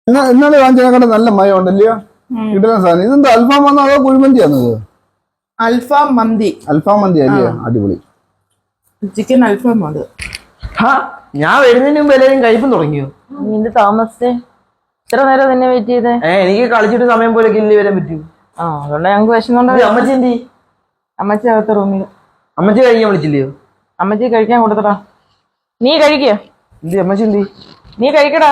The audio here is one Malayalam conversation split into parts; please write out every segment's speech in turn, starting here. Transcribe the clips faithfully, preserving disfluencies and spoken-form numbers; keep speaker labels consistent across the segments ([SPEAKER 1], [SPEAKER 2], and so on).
[SPEAKER 1] ഇന്നലെ വാങ്ങിച്ചതിനെക്കാട്ട് നല്ല മയം ഉണ്ടല്ലയോ? കിട്ടുന്ന സാധനം ഇതെന്താ അൽഫാം വന്നോ അതോ കുഴിമന്തിയാണോ ഇത്?
[SPEAKER 2] അൽഫാം മന്തി.
[SPEAKER 1] അൽഫാം മന്തി അല്ലയോ? അടിപൊളി
[SPEAKER 2] ചിക്കൻ അൽഫാം അത്.
[SPEAKER 3] ഞാൻ വരുന്നതിന് മുമ്പ് എല്ലാവരും കഴിപ്പം തുടങ്ങിയോ?
[SPEAKER 4] നിന്റെ താമസിച്ചേ ഇത്ര നേരം നിന്നെ വെയിറ്റ് ചെയ്തേ?
[SPEAKER 3] ഏഹ് എനിക്ക് കളിച്ചിട്ട് സമയം പോലെ ഇല്ലേ വരാൻ പറ്റൂ.
[SPEAKER 4] ആ അതുകൊണ്ട് ഞങ്ങൾക്ക് വിശന്നുണ്ടോ.
[SPEAKER 3] അമ്മച്ചി എന്തി?
[SPEAKER 4] അമ്മച്ചി അകത്ത് റൂമിൽ.
[SPEAKER 3] അമ്മച്ചി കഴിക്കാൻ വിളിച്ചില്ലയോ?
[SPEAKER 4] അമ്മച്ചി കഴിക്കാൻ കൊടുത്തടാ. നീ കഴിക്കുക.
[SPEAKER 3] എന്തി അമ്മച്ചി എന്തി?
[SPEAKER 4] നീ കഴിക്കടാ.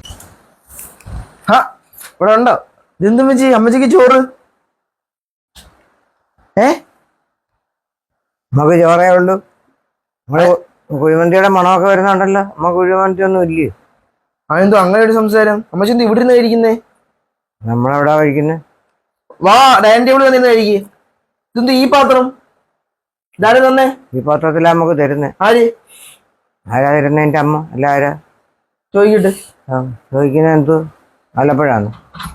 [SPEAKER 3] ഹാ ഇവിടെ ഉണ്ടോ? ഇതെന്തമ്മച്ചി അമ്മച്ചിക്ക് ചോറ്? ഏ
[SPEAKER 5] നമുക്ക് ചോറേ ഉള്ളൂ. നമ്മള് കുഴിമന്തിയുടെ മണമൊക്കെ വരുന്നുണ്ടല്ലോ. നമുക്ക് കുഴിമന്തി ഒന്നും ഇല്ലേ?
[SPEAKER 3] അതെന്തോ അങ്ങനെ ഒരു സംസാരം? അമ്മച്ചി എന്ത് ഇവിടെ നിന്ന് കഴിക്കുന്നേ?
[SPEAKER 5] നമ്മളെവിടാ കഴിക്കുന്നത്?
[SPEAKER 3] വാ ഡൈനിങ് ടേബിൾ വന്നിരുന്ന് കഴിക്കേ. ഇതെന്ത് ഈ പാത്രം? ഇതാരും തന്നെ
[SPEAKER 5] ഈ പാത്രത്തിലാ നമുക്ക് തരുന്നേ.
[SPEAKER 3] ആര്
[SPEAKER 5] ആരാ തരുന്നേ? എന്റെ അമ്മ അല്ല ആരാ?
[SPEAKER 3] ചോദിക്കട്ടെ.
[SPEAKER 5] ആ ചോദിക്കുന്നത് എന്തോ ആലപ്പുഴാണ്.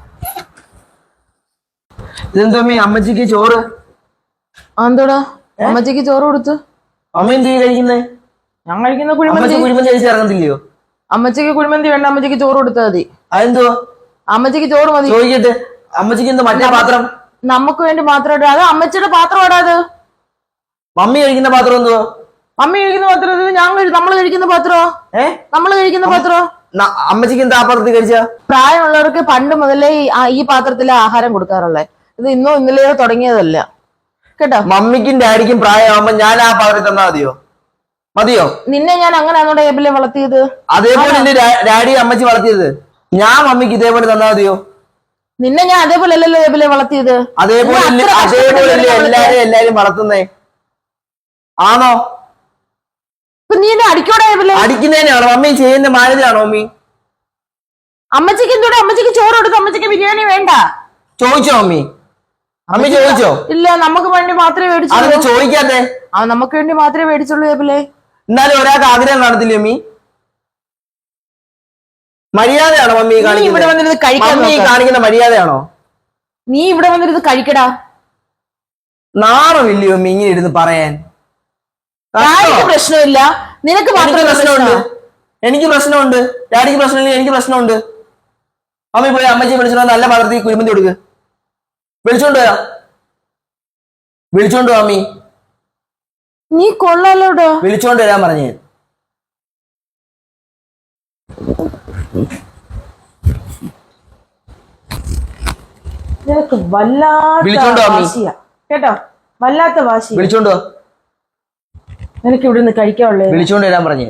[SPEAKER 3] ഇതെന്തോ അമ്മ അമ്മച്ചിക്ക് ചോറ്?
[SPEAKER 4] എന്തോടാ അമ്മച്ചിക്ക് ചോറ് കൊടുത്തു?
[SPEAKER 3] അമ്മ എന്ത് കഴിക്കുന്നേ?
[SPEAKER 4] ഞാൻ കഴിക്കുന്ന കുഴിമന്തി.
[SPEAKER 3] അമ്മച്ചി കുഴിമന്തി കഴിച്ച് ഇറങ്ങത്തില്ലയോ?
[SPEAKER 4] അമ്മച്ചിക്ക് കുഴിമന്തി വേണ്ട, അമ്മച്ചിക്ക് ചോറ് കൊടുത്താൽ മതി.
[SPEAKER 3] അതെന്തോ?
[SPEAKER 4] അമ്മച്ചിക്ക് ചോറ് മതി.
[SPEAKER 3] ചോദിക്കട്ടെ. അമ്മച്ചിക്ക് എന്തോ മറ്റേ പാത്രം?
[SPEAKER 4] നമുക്ക് വേണ്ടി മാത്രം ഇടാ. അത് അമ്മച്ചിയുടെ പാത്രം ഇടാ. അത്
[SPEAKER 3] മമ്മി കഴിക്കുന്ന പാത്രം എന്തോ?
[SPEAKER 4] മമ്മി കഴിക്കുന്ന പാത്രം ഇത് ഞാൻ നമ്മൾ കഴിക്കുന്ന പാത്രോ?
[SPEAKER 3] ഏ
[SPEAKER 4] നമ്മൾ കഴിക്കുന്ന പാത്രോ?
[SPEAKER 3] അമ്മച്ചിക്ക് എന്താ ആ പാത്രത്തിൽ കഴിച്ച?
[SPEAKER 4] പ്രായമുള്ളവർക്ക് പണ്ട് മുതലേ ഈ പാത്രത്തിലെ ആഹാരം കൊടുക്കാറുള്ളത്. ഇത് ഇന്നോ ഇന്നലെയോ തുടങ്ങിയതല്ല കേട്ടോ.
[SPEAKER 3] മമ്മിക്കും ഡാഡിക്കും പ്രായമാകുമ്പോ ഞാൻ ആ പാത്രത്തിൽ തന്നാ മതിയോ? മതിയോ?
[SPEAKER 4] നിന്നെ ഞാൻ അങ്ങനെയാണോ ടേബിളിൽ വളർത്തിയത്?
[SPEAKER 3] അതേപോലെ എന്റെ ഡാഡി അമ്മച്ചി വളർത്തിയത്. ഞാൻ മമ്മിക്ക് ഇതേപോലെ തന്നാ മതിയോ?
[SPEAKER 4] നിന്നെ ഞാൻ അതേപോലെ അല്ലല്ലോ ടേബിളിൽ വളർത്തിയത്.
[SPEAKER 3] അതേപോലെ അതേപോലെ എല്ലാരും എല്ലാരും വളർത്തുന്നേ ആണോ?
[SPEAKER 4] നീ എന്നെ അടിക്കോടെ?
[SPEAKER 3] അടിക്കുന്നതിനാണോ? മമ്മി ചെയ്യുന്ന മാനേജാണോ മമ്മി?
[SPEAKER 4] അമ്മച്ചിക്ക് എന്തോടെ? അമ്മച്ചിക്ക് ചോറ് കൊടുത്തു. അമ്മച്ചിക്ക് ബിരിയാണി വേണ്ട.
[SPEAKER 3] ചോദിച്ചോ മമ്മി? അമ്മി ചോദിച്ചോ?
[SPEAKER 4] ഇല്ല, നമുക്ക് വേണ്ടി മാത്രമേ മേടിച്ചുള്ളൂ.
[SPEAKER 3] അതൊക്കെ ചോദിക്കാതെ.
[SPEAKER 4] ആ നമുക്ക് വേണ്ടി മാത്രമേ മേടിച്ചുള്ളൂ ടേബിളെ.
[SPEAKER 3] എന്നാലും ഒരാൾക്ക് ആഗ്രഹം കാണത്തില്ലേ മമ്മി? മര്യാദയാണോ മമ്മി
[SPEAKER 4] ഇവിടെ വന്നിരുന്ന് കഴിക്കാൻ?
[SPEAKER 3] മമ്മി കാണിക്കുന്ന മര്യാദയാണോ?
[SPEAKER 4] നീ ഇവിടെ വന്നിരുന്ന് കഴിക്കടാ.
[SPEAKER 3] നാണമില്ലയോ മമ്മി ഇങ്ങനെ ഇരുന്ന് പറയാൻ?
[SPEAKER 4] പ്രശ്നമില്ല, നിനക്ക് മാത്രം
[SPEAKER 3] പ്രശ്നമുണ്ട്. എനിക്ക് പ്രശ്നമുണ്ട്. ഡാഡിക്ക് പ്രശ്നമില്ല, എനിക്ക് പ്രശ്നമുണ്ട്. അമ്മി പോയി അമ്മച്ചി വിളിച്ചോ നല്ല പാത്രത്തിൽ കുഴിമന്തി കൊടുക്ക്. വിളിച്ചോണ്ട് വരാം. വിളിച്ചോണ്ട് അമ്മി.
[SPEAKER 4] നീ കൊള്ളാലോടോ.
[SPEAKER 3] വിളിച്ചോണ്ട് വരാൻ പറഞ്ഞേ.
[SPEAKER 4] നിനക്ക് വല്ലാത്ത വാശിയാ കേട്ടോ, വല്ലാത്ത വാശി.
[SPEAKER 3] വിളിച്ചോണ്ടോ.
[SPEAKER 4] നിനക്ക് ഇവിടെ നിന്ന് കഴിക്കാനുള്ളേ.
[SPEAKER 3] വിളിച്ചോണ്ട് വരാൻ പറഞ്ഞേ.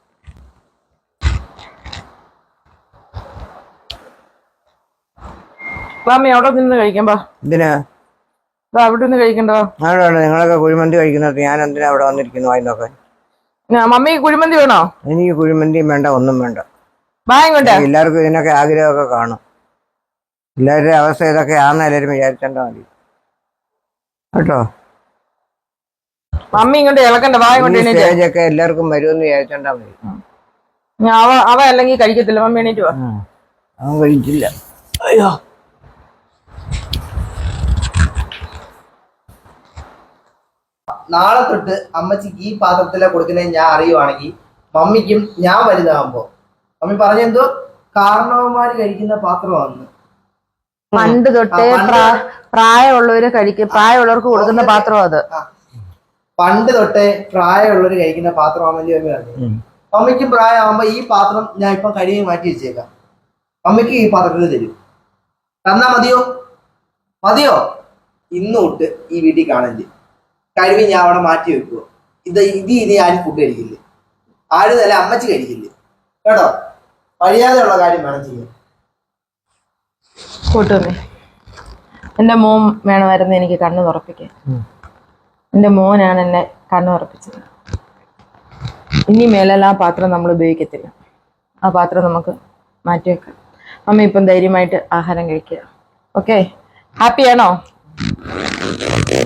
[SPEAKER 4] വാമി അവിടെ നിന്ന് കഴിക്കാം. ബാ.
[SPEAKER 5] എന്തിനാ
[SPEAKER 4] അവിടെ നിന്ന് കഴിക്കണ്ടോ?
[SPEAKER 5] അവിടെ നിങ്ങളൊക്കെ കുഴിമന്തി കഴിക്കുന്നത് ഞാൻ എന്തിനാ അവിടെ വന്നിരിക്കുന്നു വായി നോക്കാൻ?
[SPEAKER 4] മമ്മി കുഴിമന്തി വേണോ?
[SPEAKER 5] എനിക്ക് കുഴിമന്തിയും വേണ്ട, ഒന്നും വേണ്ട. എല്ലാവർക്കും ഇതിനൊക്കെ ആഗ്രഹമൊക്കെ കാണും. എല്ലാവരുടെ അവസ്ഥ ഇതൊക്കെ ആണെന്ന് എല്ലാവരും വിചാരിച്ചാൽ മതി കേട്ടോ.
[SPEAKER 4] മമ്മി ഇങ്ങോട്ട് ഇളക്കണ്ട.
[SPEAKER 5] സ്റ്റേജൊക്കെ എല്ലാവർക്കും വരുമെന്ന് വിചാരിച്ചാൽ മതി.
[SPEAKER 4] അവ അവ അല്ലെങ്കിൽ കഴിക്കത്തില്ല. മമ്മി എണീറ്റ് വാ.
[SPEAKER 5] അവൻ കഴിച്ചില്ല.
[SPEAKER 3] അയ്യോ നാളെ തൊട്ട് അമ്മച്ചിക്ക് ഈ പാത്രത്തിലെ കൊടുക്കുന്നത് ഞാൻ അറിയുവാണെങ്കിൽ മമ്മിക്കും ഞാൻ വലുതാകുമ്പോ മമ്മി പറഞ്ഞെന്തോ കാരണവന്മാര് കഴിക്കുന്ന പാത്രമാണ്.
[SPEAKER 4] പണ്ട് തൊട്ടേ പ്രായമുള്ളവര് കഴിക്കും, പ്രായമുള്ളവർക്ക് കൊടുക്കുന്ന പാത്രം അത്.
[SPEAKER 3] പണ്ട് തൊട്ടേ പ്രായമുള്ളവര് കഴിക്കുന്ന പാത്രമാണെന്നല്ലേ മമ്മി പറഞ്ഞു. മമ്മിക്കും പ്രായമാകുമ്പോ ഈ പാത്രം ഞാൻ ഇപ്പൊ കഴുകി മാറ്റി വെച്ചേക്കാം. മമ്മിക്ക് ഈ പാത്രത്തിൽ തരും. തന്നാ മതിയോ? മതിയോ? ഇന്ന് തൊട്ട് ഈ വീട്ടിൽ കാണില്ല. കഴിവി ഞാൻ അവിടെ മാറ്റി വെക്കുവോ. ഇത് ഇത് ഇനി ആരും ഫുഡ് കഴിക്കില്ല. ആരും തന്നെ അമ്മച്ചി കഴിക്കില്ല കേട്ടോ. കഴിയാതെയുള്ള കാര്യം വേണം ചെയ്യാൻ.
[SPEAKER 4] കൂട്ടുമേ, എന്റെ മോൻ വേണമായിരുന്നു എനിക്ക് കണ്ണു തുറപ്പിക്കാൻ. എന്റെ മോനാണ് എന്നെ കണ്ണു തുറപ്പിച്ചത്. ഇനി മേലെല്ലാം ആ പാത്രം നമ്മൾ ഉപയോഗിക്കത്തില്ല. ആ പാത്രം നമുക്ക് മാറ്റിവെക്കാം. അമ്മ ഇപ്പം ധൈര്യമായിട്ട് ആഹാരം കഴിക്കുക. ഓക്കെ, ഹാപ്പിയാണോ?